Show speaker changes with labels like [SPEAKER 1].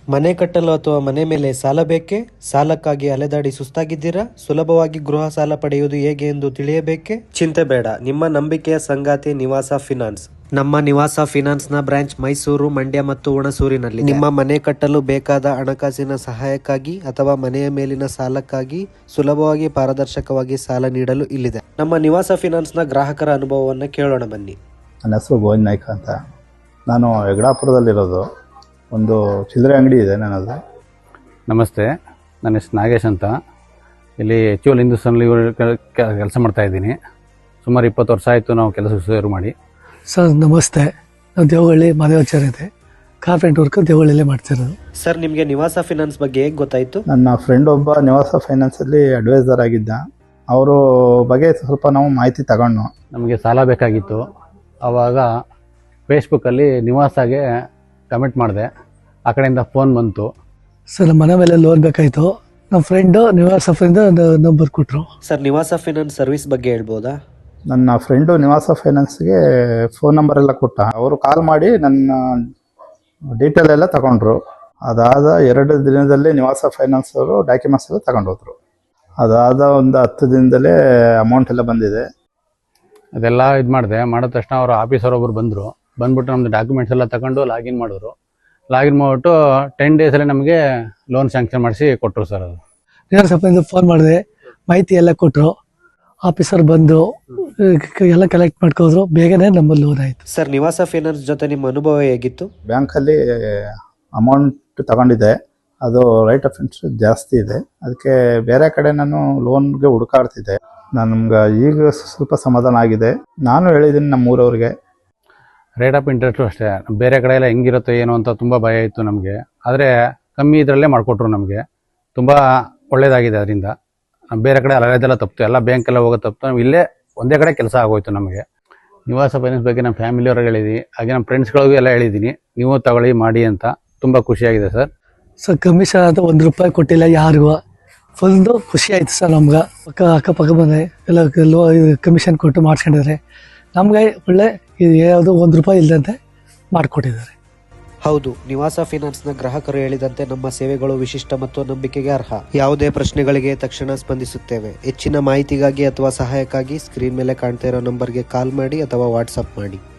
[SPEAKER 1] ಮನೆ ಕಟ್ಟಲು ಅಥವಾ ಮನೆ ಮೇಲೆ ಸಾಲ ಬೇಕೇ? ಸಾಲಕ್ಕಾಗಿ ಅಲೆದಾಡಿ ಸುಸ್ತಾಗಿದ್ದೀರಾ? ಸುಲಭವಾಗಿ ಗೃಹ ಸಾಲ ಪಡೆಯುವುದು ಹೇಗೆ ಎಂದು ತಿಳಿಯಬೇಕೇ? ಚಿಂತೆ ಬೇಡ, ನಿಮ್ಮ ನಂಬಿಕೆಯ ಸಂಗಾತಿ ನಿವಾಸ ಫಿನಾನ್ಸ್. ನಮ್ಮ ನಿವಾಸ ಫಿನಾನ್ಸ್ ನ ಬ್ರಾಂಚ್ ಮೈಸೂರು, ಮಂಡ್ಯ ಮತ್ತು ಹುಣಸೂರಿನಲ್ಲಿ. ನಿಮ್ಮ ಮನೆ ಕಟ್ಟಲು ಬೇಕಾದ ಹಣಕಾಸಿನ ಸಹಾಯಕ್ಕಾಗಿ ಅಥವಾ ಮನೆಯ ಮೇಲಿನ ಸಾಲಕ್ಕಾಗಿ ಸುಲಭವಾಗಿ ಪಾರದರ್ಶಕವಾಗಿ ಸಾಲ ನೀಡಲು ಇಲ್ಲಿದೆ. ನಮ್ಮ ನಿವಾಸ ಫಿನಾನ್ಸ್ ನ ಗ್ರಾಹಕರ ಅನುಭವವನ್ನು ಕೇಳೋಣ ಬನ್ನಿ.
[SPEAKER 2] ನನ್ನ ಹೆಸರು ಗೋವಿಂದ್ ನಾಯ್ಕ ಅಂತ. ನಾನು ಯಗಡಾಪುರದಲ್ಲಿರೋದು. ಒಂದು ಚಿಲ್ಲರೆ ಅಂಗಡಿ ಇದೆ ನನ್ನದು.
[SPEAKER 3] ನಮಸ್ತೆ, ನನ್ನ ಹೆಸರು ನಾಗೇಶ್ ಅಂತ. ಇಲ್ಲಿ HUL ಹಿಂದೂಸ್ತಾನಲ್ಲಿ ಕೆಲಸ ಮಾಡ್ತಾಯಿದ್ದೀನಿ. ಸುಮಾರು 20 ವರ್ಷ ಆಯಿತು ನಾವು ಕೆಲಸ ಶುರು ಮಾಡಿ.
[SPEAKER 4] ಸರ್ ನಮಸ್ತೆ, ನಾವು ದೇವಗಳ್ಳಿ ಮಾದೇವಾಚಾರ್ಯ ಇದೆ, ಕಾರ್ಪೆಂಟ್ ವರ್ಕ್ ದೇವಗಳ್ಳಿಯಲ್ಲೇ ಮಾಡ್ತಿರೋದು.
[SPEAKER 1] ಸರ್, ನಿಮಗೆ ನಿವಾಸ ಫಿನಾನ್ಸ್ ಬಗ್ಗೆ ಹೇಗೆ ಗೊತ್ತಾಯಿತು?
[SPEAKER 2] ನನ್ನ ಫ್ರೆಂಡ್ ಒಬ್ಬ ನಿವಾಸ ಫೈನಾನ್ಸಲ್ಲಿ ಅಡ್ವೈಸರ್ ಆಗಿದ್ದ. ಅವರು ಬಗ್ಗೆ ಸ್ವಲ್ಪ ನಾವು ಮಾಹಿತಿ ತಗೊಂಡು
[SPEAKER 3] ನಮಗೆ ಸಾಲ ಬೇಕಾಗಿತ್ತು. ಆವಾಗ ಫೇಸ್ಬುಕ್ಕಲ್ಲಿ ನಿವಾಸಾಗೆ ಕಮೆಂಟ್ ಮಾಡಿದೆ. ಆ ಕಡೆಯಿಂದ ಫೋನ್ ಬಂತು.
[SPEAKER 4] ಸರ್ ನಮ್ಮ ಮನೆ ಮೇಲೆ ಲೋನ್ ಬೇಕಾಯಿತು. ನಮ್ಮ ಫ್ರೆಂಡು ನಿವಾಸ ಫ್ರೆಂಡ್ ನಂಬರ್ ಕೊಟ್ಟರು.
[SPEAKER 1] ಸರ್, ನಿವಾಸ ಫಿನಾನ್ಸ್ ಸರ್ವಿಸ್ ಬಗ್ಗೆ ಹೇಳ್ಬೋದಾ?
[SPEAKER 2] ನನ್ನ ಫ್ರೆಂಡು ನಿವಾಸ ಫೈನಾನ್ಸ್ಗೆ ಫೋನ್ ನಂಬರ್ ಎಲ್ಲ ಕೊಟ್ಟ. ಅವರು ಕಾಲ್ ಮಾಡಿ ನನ್ನ ಡೀಟೇಲ್ ಎಲ್ಲ ತಗೊಂಡ್ರು. ಅದಾದ 2 ದಿನದಲ್ಲೇ ನಿವಾಸ ಫೈನಾನ್ಸ್ ಅವರು ಡಾಕ್ಯುಮೆಂಟ್ಸ್ ಎಲ್ಲ ತಗೊಂಡೋದ್ರು. ಅದಾದ ಒಂದು 10 ದಿನದಲ್ಲೇ ಅಮೌಂಟ್ ಎಲ್ಲ ಬಂದಿದೆ.
[SPEAKER 3] ಅದೆಲ್ಲ ಇದು ಮಾಡಿದ ತಕ್ಷಣ ಅವರು ಆಫೀಸರ್ ಒಬ್ಬರು ಬಂದ್ಬಿಟ್ಟು ನಮ್ಮದು ಡಾಕ್ಯುಮೆಂಟ್ಸ್ ಎಲ್ಲ ತಗೊಂಡು ಲಾಗಿನ್ ಮಾಡಿದ್ರು. ಲಾಗಿನ್ ಮಾಡಿಬಿಟ್ಟು 10 ಡೇಸಲ್ಲಿ ನಮಗೆ ಲೋನ್ ಸ್ಯಾಂಕ್ಷನ್ ಮಾಡಿಸಿ ಕೊಟ್ಟರು ಸರ್. ಅದು
[SPEAKER 4] ನಿವಾಸ ಫೈನಾನ್ಸ್ ಫೋನ್ ಮಾಡಿದೆ, ಮಾಹಿತಿ ಎಲ್ಲ ಕೊಟ್ಟರು. ಆಫೀಸರ್ ಬಂದು ಎಲ್ಲ ಕಲೆಕ್ಟ್ ಮಾಡ್ಕೋದ್ರು. ಬೇಗನೆ ನಮ್ಮ ಲೋನ್ ಆಯಿತು.
[SPEAKER 1] ಸರ್, ನಿವಾಸ ಫಿನಾನ್ಸ್ ಜೊತೆ ನಿಮ್ಮ ಅನುಭವ ಹೇಗಿತ್ತು?
[SPEAKER 2] ಬ್ಯಾಂಕಲ್ಲಿ ಅಮೌಂಟ್ ತಗೊಂಡಿದ್ದೆ, ಅದು ರೈಟ್ ಆಫ್ ಇಂಟ್ರೆಸ್ಟ್ ಜಾಸ್ತಿ ಇದೆ. ಅದಕ್ಕೆ ಬೇರೆ ಕಡೆ ನಾನು ಲೋನ್ಗೆ ಹುಡುಕಾಡ್ತಿದ್ದೆ. ನಮ್ಗೆ ಈಗ ಸ್ವಲ್ಪ ಸಮಾಧಾನ ಆಗಿದೆ. ನಾನು ಹೇಳಿದ್ದೀನಿ ನಮ್ಮೂರವ್ರಿಗೆ.
[SPEAKER 3] ರೇಟ್ ಆಫ್ ಇಂಟ್ರೆಸ್ಟು ಅಷ್ಟೇ, ಬೇರೆ ಕಡೆ ಎಲ್ಲ ಹೆಂಗಿರುತ್ತೆ ಏನು ಅಂತ ತುಂಬ ಭಯ ಇತ್ತು ನಮಗೆ. ಆದರೆ ಕಮ್ಮಿ ಇದರಲ್ಲೇ ಮಾಡಿಕೊಟ್ರು ನಮಗೆ. ತುಂಬ ಒಳ್ಳೆಯದಾಗಿದೆ. ಅದರಿಂದ ಬೇರೆ ಕಡೆ ಅಲೆದೆಲ್ಲ ತಪ್ಪಿತು, ಎಲ್ಲ ಬ್ಯಾಂಕೆಲ್ಲ ಹೋಗೋ ತಪ್ಪಿತು. ನಾವು ಇಲ್ಲೇ ಒಂದೇ ಕಡೆ ಕೆಲಸ ಆಗೋಯ್ತು ನಮಗೆ. ನಿವಾಸ ಫೈನಾನ್ಸ್ ಬಗ್ಗೆ ನಮ್ಮ ಫ್ಯಾಮಿಲಿಯವ್ರಿಗೆ ಹೇಳಿದ್ವಿ, ಹಾಗೆ ನಮ್ಮ ಫ್ರೆಂಡ್ಸ್ಗಳಿಗೂ ಎಲ್ಲ ಹೇಳಿದ್ದೀನಿ, ನೀವು ತಗೊಳ್ಳಿ ಮಾಡಿ ಅಂತ. ತುಂಬ ಖುಷಿಯಾಗಿದೆ ಸರ್.
[SPEAKER 4] ಸರ್ ಕಮಿಷನ್ ಅಂತ ₹1 ಕೊಟ್ಟಿಲ್ಲ ಯಾರಿಗೂ. ಫುಲ್ಲು ಖುಷಿ ಆಯಿತು ಸರ್ ನಮ್ಗೆ. ಅಕ್ಕಪಕ್ಕ ಬಂದರೆ ಎಲ್ಲ ಕಮಿಷನ್ ಕೊಟ್ಟು ಮಾಡಿಸ್ಕೊಂಡಿದ್ದಾರೆ. ನಮಗೆ ಒಳ್ಳೆ ಇದು ಯಾವುದು ₹1 ಇಲ್ಲದಂತೆ ಮಾಡಿಕೊಟ್ಟಿದ್ದಾರೆ.
[SPEAKER 1] ಹೌದು, ನಿವಾಸ ಫಿನಾನ್ಸ್ನ ಗ್ರಾಹಕರು ಹೇಳಿದಂತೆ ನಮ್ಮ ಸೇವೆಗಳು ವಿಶಿಷ್ಟ ಮತ್ತು ನಂಬಿಕೆಗೆ ಅರ್ಹ. ಯಾವುದೇ ಪ್ರಶ್ನೆಗಳಿಗೆ ತಕ್ಷಣ ಸ್ಪಂದಿಸುತ್ತೇವೆ. ಹೆಚ್ಚಿನ ಮಾಹಿತಿಗಾಗಿ ಅಥವಾ ಸಹಾಯಕ್ಕಾಗಿ ಸ್ಕ್ರೀನ್ ಮೇಲೆ ಕಾಣ್ತಾ ಇರೋ ನಂಬರ್ಗೆ ಕಾಲ್ ಮಾಡಿ ಅಥವಾ ವಾಟ್ಸಪ್ ಮಾಡಿ.